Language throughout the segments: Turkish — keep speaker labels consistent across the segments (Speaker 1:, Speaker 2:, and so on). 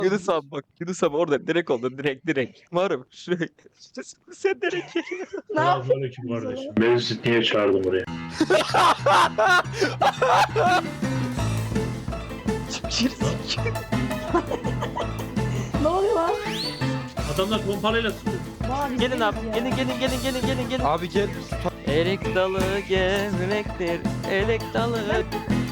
Speaker 1: Yunus abi bak. Yunus abi orada direkt oldu. Direkt. Varım. Şuraya. Sen direkt geliyor.
Speaker 2: Ne yapayım?
Speaker 3: Selamünaleyküm kardeşim.
Speaker 2: Beni siz niye çağırdım buraya?
Speaker 4: Ne oluyor lan?
Speaker 3: Adamlar pompalıyla tutuyor.
Speaker 4: Vay,
Speaker 1: Gelin abi.
Speaker 4: ya.
Speaker 1: Gelin.
Speaker 5: Abi gel.
Speaker 1: Erik dalı gevrektir. Erik dalı.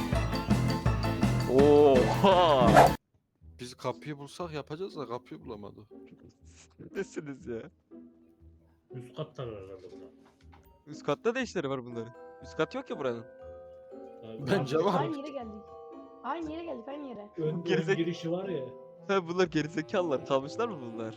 Speaker 1: Oha.
Speaker 5: Biz kapıyı bulsak yapacağız da kapıyı bulamadı.
Speaker 1: Nesiniz ya?
Speaker 3: Üst katlar var herhalde burada.
Speaker 1: Üst katta da işleri var bunların. Üst kat yok ya buranın.
Speaker 3: Abi,
Speaker 5: Bence var.
Speaker 4: Aynı yere geldik. Aynı yere.
Speaker 3: Ön
Speaker 1: Gerizek-
Speaker 3: girişi var ya.
Speaker 1: Ha bunlar gerizekalılar. Kalmışlar mı bunlar?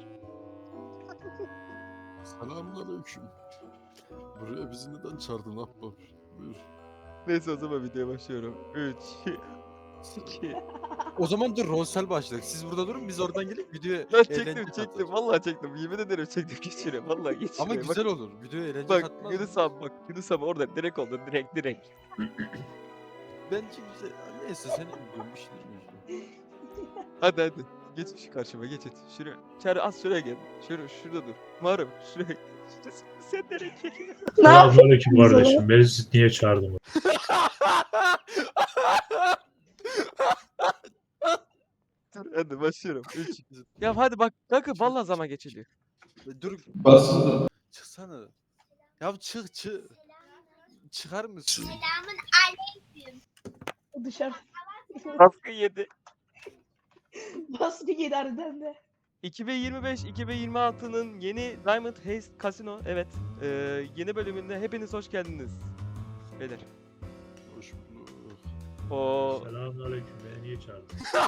Speaker 5: Selamünaleyküm. Buraya bizi neden çağırdın Ahbap? Buyur.
Speaker 1: Neyse o zaman videoya başlıyorum. 3 2
Speaker 5: O zaman dur Ronsel başladık. Siz burada durun biz oradan gelip videoya
Speaker 1: Ben
Speaker 5: eğlence
Speaker 1: çektim.
Speaker 5: katacağız.
Speaker 1: Vallahi çektim. Yemin ederim çektim. Geç şuraya. Vallahi geç
Speaker 5: Ama
Speaker 1: şuraya.
Speaker 5: güzel olur. Videoya eğlence
Speaker 1: Bak
Speaker 5: katmaz.
Speaker 1: Yunus abi bak. Yunus abi orada direkt oldu. Direkt.
Speaker 5: Bence güzel. Neyse seni biliyorum bir şey demiyorum.
Speaker 1: Hadi. Geç şu karşıma geç et. Şuraya. Çağrı az şuraya gel. Şurada dur. Muharrem şuraya. Sen direkt geliyor.
Speaker 4: Ne yapayım?
Speaker 3: Selamünaleyküm kardeşim. Beni siz niye çağırdın?
Speaker 1: Dur hadi başlıyorum. 3 Ya hadi bak. Kanka vallahi zaman geçiliyor.
Speaker 5: Dur. Çıksana. Ya çık. Çıkar mısın?
Speaker 4: Dışarı.
Speaker 1: Baskı yedi.
Speaker 4: Baskı yedi harbiden de.
Speaker 1: 2025-2026'nın yeni Diamond Heist Casino yeni bölümünde hepiniz hoş geldiniz. Beyler.
Speaker 5: Hoş bulduk.
Speaker 1: O
Speaker 3: Selamünaleyküm. Beni niye çağırdın?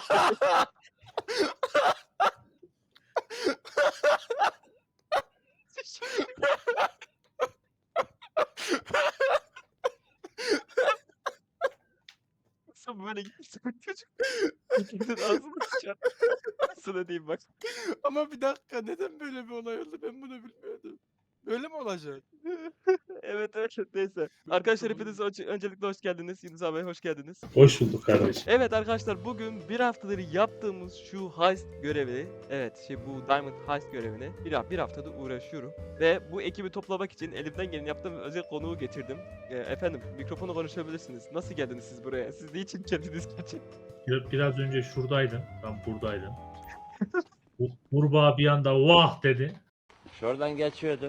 Speaker 1: Nasıl böyle giderse bu çocuk. İkimizin ağzını sıçar. Sana diyeyim bak.
Speaker 5: Ama bir dakika neden böyle bir olay oldu ben bunu bilmiyordum. Böyle mi olacak?
Speaker 1: Evet neyse. Arkadaşlar hepiniz öncelikle hoş geldiniz. Yunus abi hoş geldiniz.
Speaker 3: Hoş bulduk kardeşim.
Speaker 1: Evet arkadaşlar bugün bir haftadır yaptığımız şu heist görevi, bu Diamond Heist görevini bir haftadır uğraşıyorum. Ve bu ekibi toplamak için elimden geleni yaptığım özel konuğu getirdim. Efendim mikrofonu konuşabilirsiniz. Nasıl geldiniz siz buraya? Siz niçin geldiniz gerçekten?
Speaker 3: Biraz önce şuradaydın. Tam buradaydın. Bu kurbağa bir anda vah dedi.
Speaker 6: Şuradan geçiyordum.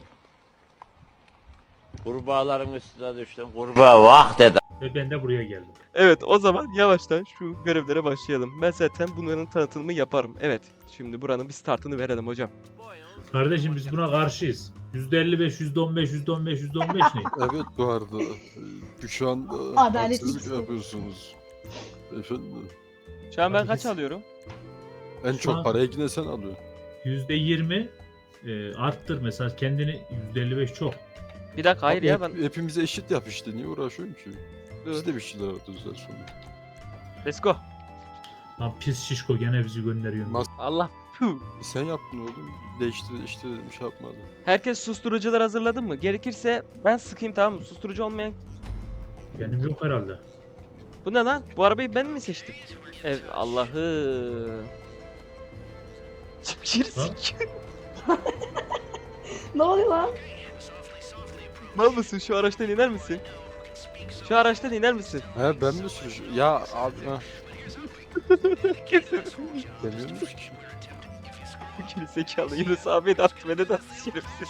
Speaker 6: Kurbağaların üstüne düştüm. Kurbağa vah dedi.
Speaker 3: Ve ben de buraya geldim.
Speaker 1: Evet o zaman yavaştan şu görevlere başlayalım. Ben zaten bunların tanıtımını yaparım. Evet şimdi buranın bir startını verelim hocam.
Speaker 3: Kardeşim biz buna karşıyız. %55, %15, %15 ne?
Speaker 5: Evet bu arada şu anda
Speaker 4: Adalet
Speaker 5: haksızlık
Speaker 4: istiyor.
Speaker 5: yapıyorsunuz. Efendim.
Speaker 1: Şu an ben
Speaker 3: Hadi
Speaker 1: kaç
Speaker 3: biz-
Speaker 1: alıyorum?
Speaker 5: En
Speaker 3: Şu
Speaker 5: çok
Speaker 3: an-
Speaker 5: parayı yine sen alıyorsun.
Speaker 3: %20 arttır mesela kendini %55 çok.
Speaker 1: Bir dakika hayır
Speaker 5: Abi
Speaker 1: ya ben...
Speaker 5: hepimize eşit yap işte niye uğraşıyorsun ki?
Speaker 1: Dur.
Speaker 5: Biz de bir şeyler yapacağız sonra.
Speaker 1: Let's go.
Speaker 3: Lan pis şişko gene bizi gönderiyor.
Speaker 5: Mas-
Speaker 1: Allah. Puh.
Speaker 5: Sen yaptın oğlum. Değiştir dedim şey yapmadım.
Speaker 1: Herkes susturucular hazırladı mı? Gerekirse ben sıkayım tamam mı? Susturucu olmayan...
Speaker 3: Benim yok herhalde.
Speaker 1: Bu ne lan? Bu arabayı ben mi seçtim? Allah'ım.
Speaker 4: Ne oluyor lan?
Speaker 1: Mal mısın? Şu araçtan iner misin? Şu araçtan iner misin?
Speaker 5: He ben mi sürücü? Ya abi ha. Demiyormuş ki.
Speaker 1: Geri zekalı Yunus abi de attı beni de attı şerefsiz.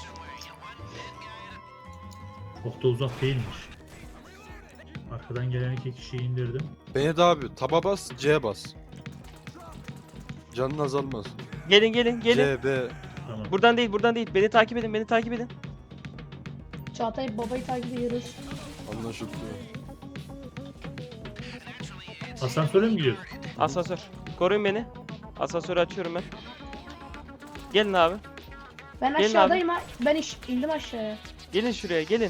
Speaker 3: Çok da uzak değilmiş. Arkadan gelen iki kişiyi indirdim.
Speaker 5: Beni de abi taba bas C bas. Canın azalmaz.
Speaker 1: Gelin.
Speaker 5: C, B.
Speaker 3: Tamam.
Speaker 1: Buradan değil. Beni takip edin.
Speaker 4: Çağatay babayı takip ediyoruz.
Speaker 5: Anlaşıldı.
Speaker 3: Asansöre mi gidiyorsun?
Speaker 1: Asansör. Koruyun beni. Asansörü açıyorum ben. Gelin abi.
Speaker 4: Ben
Speaker 1: Gelin
Speaker 4: aşağıdayım ha. Ben indim aşağıya.
Speaker 1: Gelin şuraya gelin.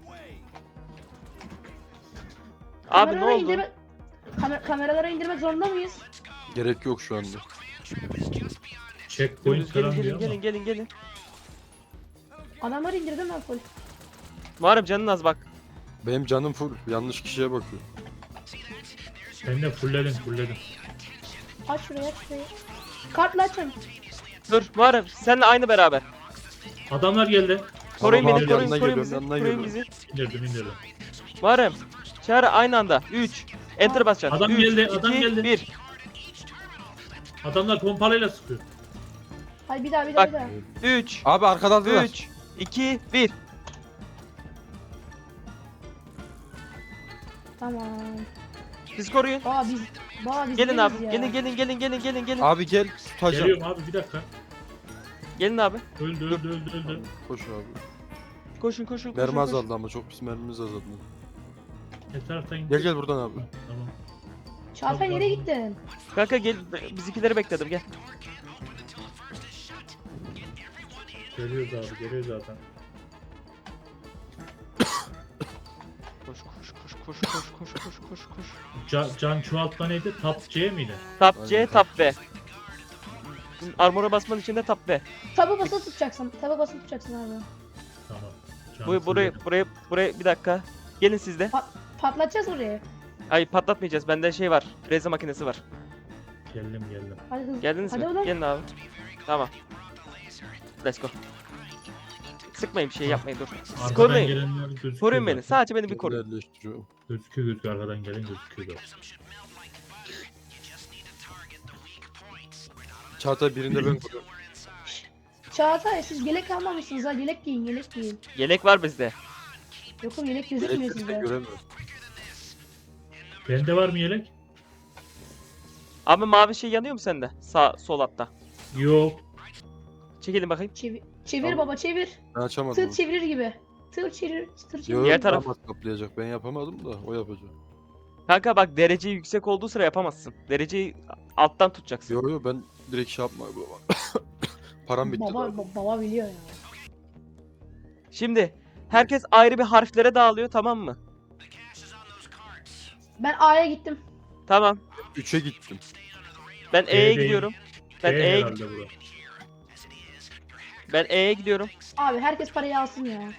Speaker 1: Abi ne
Speaker 4: Kameralara
Speaker 1: oldu?
Speaker 4: Kameralara indirmek zorunda mıyız?
Speaker 5: Gerek yok şu anda.
Speaker 3: Checkpoint falan diyor ama.
Speaker 1: Gelin.
Speaker 4: Adamları indirdim ben full.
Speaker 1: Muharrem canın az bak.
Speaker 5: Benim canım full. Yanlış kişiye bakıyor.
Speaker 3: Ben de fullledim.
Speaker 4: Aç şurayı. Kartla açın.
Speaker 1: Dur Muharrem senle aynı beraber.
Speaker 3: Adamlar geldi.
Speaker 1: Koruyun
Speaker 2: Tamam
Speaker 1: beni,
Speaker 2: abi,
Speaker 1: koruyun,
Speaker 2: yanına
Speaker 1: koruyun
Speaker 2: geliyorum,
Speaker 1: bizi,
Speaker 2: yanına
Speaker 1: koruyun
Speaker 2: geliyorum.
Speaker 1: bizi.
Speaker 3: İndirdim.
Speaker 1: Muharrem, Çağrı aynı anda. 3, Enter basacaksın.
Speaker 3: Adam
Speaker 1: 3,
Speaker 3: geldi, adam
Speaker 1: 2,
Speaker 3: geldi.
Speaker 1: 1.
Speaker 3: Adamlar pompalıyla sıkıyor.
Speaker 4: Hadi bir daha bir
Speaker 1: Bak.
Speaker 4: daha bir daha.
Speaker 1: 3,
Speaker 2: Abi arkadan da
Speaker 1: 3, 2, 1.
Speaker 4: Tamam.
Speaker 1: Siz koruyun.
Speaker 4: Biz
Speaker 1: Gelin
Speaker 4: değiliz
Speaker 1: abi.
Speaker 4: ya.
Speaker 1: Gelin.
Speaker 2: Abi gel tutacağım.
Speaker 3: Geliyorum abi bir dakika.
Speaker 1: Gelin abi.
Speaker 3: Öldü.
Speaker 2: Koş abi.
Speaker 1: Koşun.
Speaker 2: Mermi azaldı ama çok pis mermimiz azaldı.
Speaker 3: Etraftan
Speaker 2: Gel gel buradan abi.
Speaker 3: Tamam.
Speaker 4: Çağatay nereye gittin?
Speaker 1: Kanka gel, bizimkileri bekledim gel.
Speaker 3: Geliyoruz abi, geliyor zaten.
Speaker 1: Koş.
Speaker 3: Can çoğaltma neydi? Tap C miydi?
Speaker 1: Tap C,
Speaker 2: Aynen.
Speaker 1: tap B. Armora basman için de tap B.
Speaker 4: Tabi basılı tutacaksın. Tabi basılı tutacaksın abi.
Speaker 3: Tamam. Can
Speaker 1: Buraya bir dakika. Gelin siz de.
Speaker 4: Patlatacağız orayı.
Speaker 1: Ay patlatmayacağız. Bende şey var. Reze makinesi var.
Speaker 3: Geldim.
Speaker 4: Hadi hızlı.
Speaker 1: Geldiniz
Speaker 4: Hadi
Speaker 1: mi?
Speaker 4: oğlum.
Speaker 1: Gelin abi. Tamam. Let's go. Sıkmayın bir şey yapmayın dur. Siz
Speaker 3: Arkadan
Speaker 1: koruyun.
Speaker 3: gelenler gözüküyor.
Speaker 1: Koruyun beni.
Speaker 3: zaten.
Speaker 1: Sadece beni bir koruyun.
Speaker 2: Yerleştiriyorum.
Speaker 3: Gözüküyor arkadan gelen gözüküyor.
Speaker 2: Çağatay birinde ben koruyorum.
Speaker 4: Çağatay siz yelek almamışsınız ha. Yelek giyin.
Speaker 1: Yelek var bizde.
Speaker 4: Yok oğlum yelek gözükmüyor
Speaker 2: Elektrikte
Speaker 4: sizde.
Speaker 2: göremiyorum.
Speaker 3: Bende var mı yelek?
Speaker 1: Abi mavi şey yanıyor mu sende? Sağ sol altta.
Speaker 3: Yok.
Speaker 1: Çekilin bakayım.
Speaker 4: Çevir
Speaker 2: Tamam.
Speaker 4: baba çevir.
Speaker 2: Ben açamadım.
Speaker 4: Tır çevirir gibi. Tır çevir.
Speaker 2: Yok,
Speaker 1: Diğer taraf.
Speaker 2: damat kaplayacak. Ben yapamadım da o yapacak.
Speaker 1: Kanka bak derece yüksek olduğu sıra yapamazsın. Dereceyi alttan tutacaksın.
Speaker 2: Yo ben direkt şey yapma baba. Param bitti. daha.
Speaker 4: Baba biliyor ya.
Speaker 1: Şimdi herkes ayrı bir harflere dağılıyor tamam mı?
Speaker 4: Ben A'ya gittim.
Speaker 1: Tamam.
Speaker 2: 3'e gittim.
Speaker 1: Ben E'ye
Speaker 3: değil.
Speaker 1: gidiyorum. Ben
Speaker 3: B
Speaker 1: E'ye
Speaker 3: herhalde bura.
Speaker 1: ben E'ye gidiyorum.
Speaker 4: Abi herkes parayı alsın ya.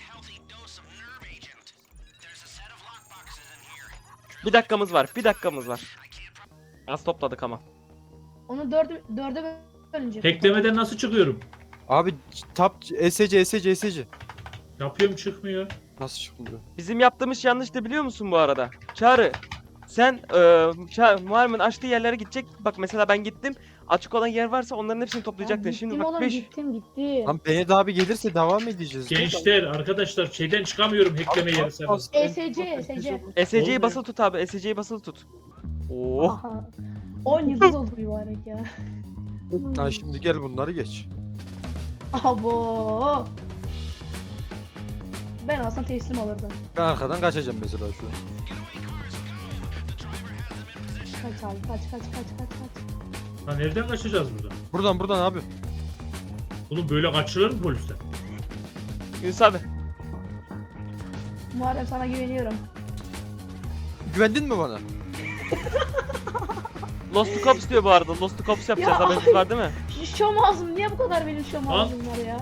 Speaker 1: Bir dakikamız var. Az topladık ama.
Speaker 4: Onu dörde bölünce.
Speaker 3: Teklemeden nasıl çıkıyorum?
Speaker 2: Abi tap ESC.
Speaker 3: Yapıyorum çıkmıyor.
Speaker 2: Nasıl çıkmıyor?
Speaker 1: Bizim yaptığımız yanlış da biliyor musun bu arada? Çağrı sen Muharrem'in açtığı yerlere gidecek. Bak mesela ben gittim. Açık olan yer varsa onların hepsini toplayacaktın. Şimdi
Speaker 4: Gittim
Speaker 1: bak
Speaker 4: oğlum
Speaker 1: 5.
Speaker 4: gittim.
Speaker 2: Lan Benet abi gelirse devam edeceğiz.
Speaker 3: Gençler arkadaşlar şeyden çıkamıyorum hackleme yeri serbest.
Speaker 4: ESC.
Speaker 1: SC'yi
Speaker 3: Olmuyor.
Speaker 1: basılı tut abi. SC'yi basılı tut. Oo.
Speaker 4: Aha. 10 yıldız oldu mübarek ya.
Speaker 2: Lan şimdi gel bunları geç.
Speaker 4: Abo. Ben aslında teslim alırdım.
Speaker 2: Ben arkadan kaçacağım mesela şu an.
Speaker 4: Kaç abi kaç.
Speaker 3: Ha nereden kaçacağız buradan?
Speaker 2: Buradan abi.
Speaker 3: Oğlum böyle kaçılır mı polisten?
Speaker 1: Yunus abi.
Speaker 4: Muharrem sana güveniyorum.
Speaker 2: Güvendin mi bana?
Speaker 1: Lost to Cops diyor bu arada. Lost to Cops yapacağız.
Speaker 4: Ya.
Speaker 1: Haberiniz var değil mi?
Speaker 4: Şu şom ağzım niye bu kadar benim şom ağzım var ya?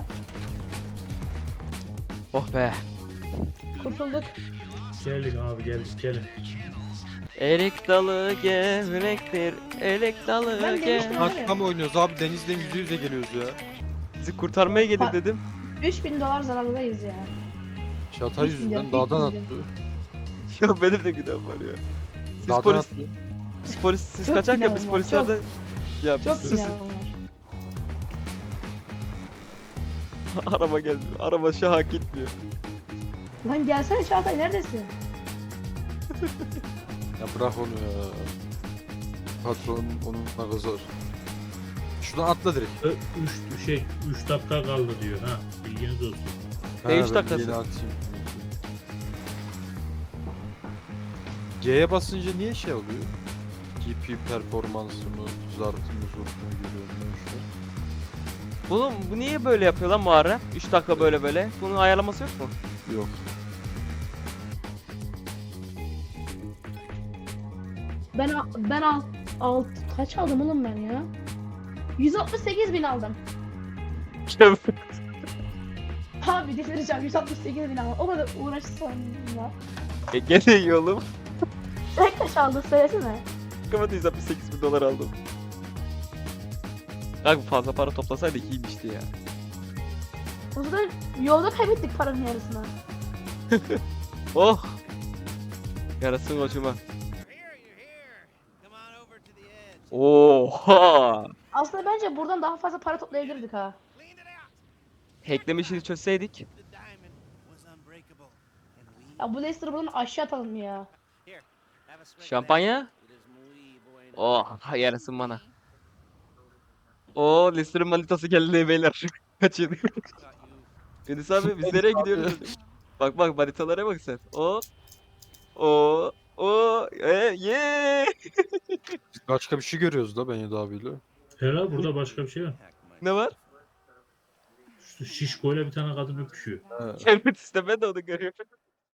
Speaker 1: Oh be.
Speaker 4: Kurtulduk.
Speaker 3: Geldik abi gelin.
Speaker 1: Erik dalı gevrektir. Erik dalı
Speaker 4: Ben demiştim.
Speaker 1: gevrek.
Speaker 2: Hakika mı oynuyoruz abi? Denizden yüze geliyoruz ya.
Speaker 1: Bizi kurtarmaya gelir
Speaker 4: Ha.
Speaker 1: dedim.
Speaker 4: 3000 dolar zarardayız ya.
Speaker 2: Çatay
Speaker 4: Hiç
Speaker 2: yüzünden
Speaker 4: bilmiyorum,
Speaker 2: dağdan
Speaker 4: hiç
Speaker 2: attı.
Speaker 1: Ya benim de günahım var ya. Siz
Speaker 2: Dağdan
Speaker 1: polis,
Speaker 2: attı.
Speaker 1: siz
Speaker 4: Çok
Speaker 1: kaçarken
Speaker 4: günahım
Speaker 1: biz
Speaker 4: var,
Speaker 1: polislerde... Ya
Speaker 4: Çok
Speaker 1: sus.
Speaker 4: günahım var.
Speaker 1: Araba geldi. Araba şu an gitmiyor.
Speaker 4: Lan gelsene Çağatay neredesin?
Speaker 2: Ya bırak onu ya. Patron onunla kızar. Şuradan atla direkt.
Speaker 3: 3 dakika kaldı diyor ha. Bilginiz olsun.
Speaker 1: Ne üç
Speaker 2: ben
Speaker 1: dakikası?
Speaker 2: yeni atayım. G'ye basınca niye şey oluyor? GP performansımı, zartımı, zurtumu görüyorum şu
Speaker 1: Oğlum bu niye böyle yapıyor lan Muharrem? 3 dakika böyle. Bunun ayarlaması yok mu?
Speaker 2: an. Yok.
Speaker 4: Ben kaç aldım oğlum ben ya? 168.000 aldım. Abi delireceğim 168.000 aldım. O kadar uğraşsam ya.
Speaker 1: Gene iyi oğlum.
Speaker 4: Sen kaç aldın söylesene.
Speaker 1: Kapat 168.000 dolar aldım. Kanka fazla para toplasaydık iyiymişti ya.
Speaker 4: O zaman yolda kaybettik paranın yarısını.
Speaker 1: Oh! Yarasın koçuma. Oha!
Speaker 4: Aslında bence buradan daha fazla para toplayabilirdik ha.
Speaker 1: Hackleme işini çözseydik.
Speaker 4: Ya bu Leicester'ı buradan aşağı atalım ya.
Speaker 1: Şampanya? Oh yarasın bana. Oo Leicester'ın manitası geldi beyler. Kaçın. Yunus abi biz nereye gidiyoruz? Bak bak manitalara bak sen. Ye.
Speaker 2: Biz başka bir şey görüyoruz da Benyat abiyle.
Speaker 3: Herhalde burada başka bir şey var.
Speaker 1: Ne var?
Speaker 3: Şu şişkoyla bir tane kadın öpüşüyor.
Speaker 2: He.
Speaker 1: Evet işte ben de onu görüyorum.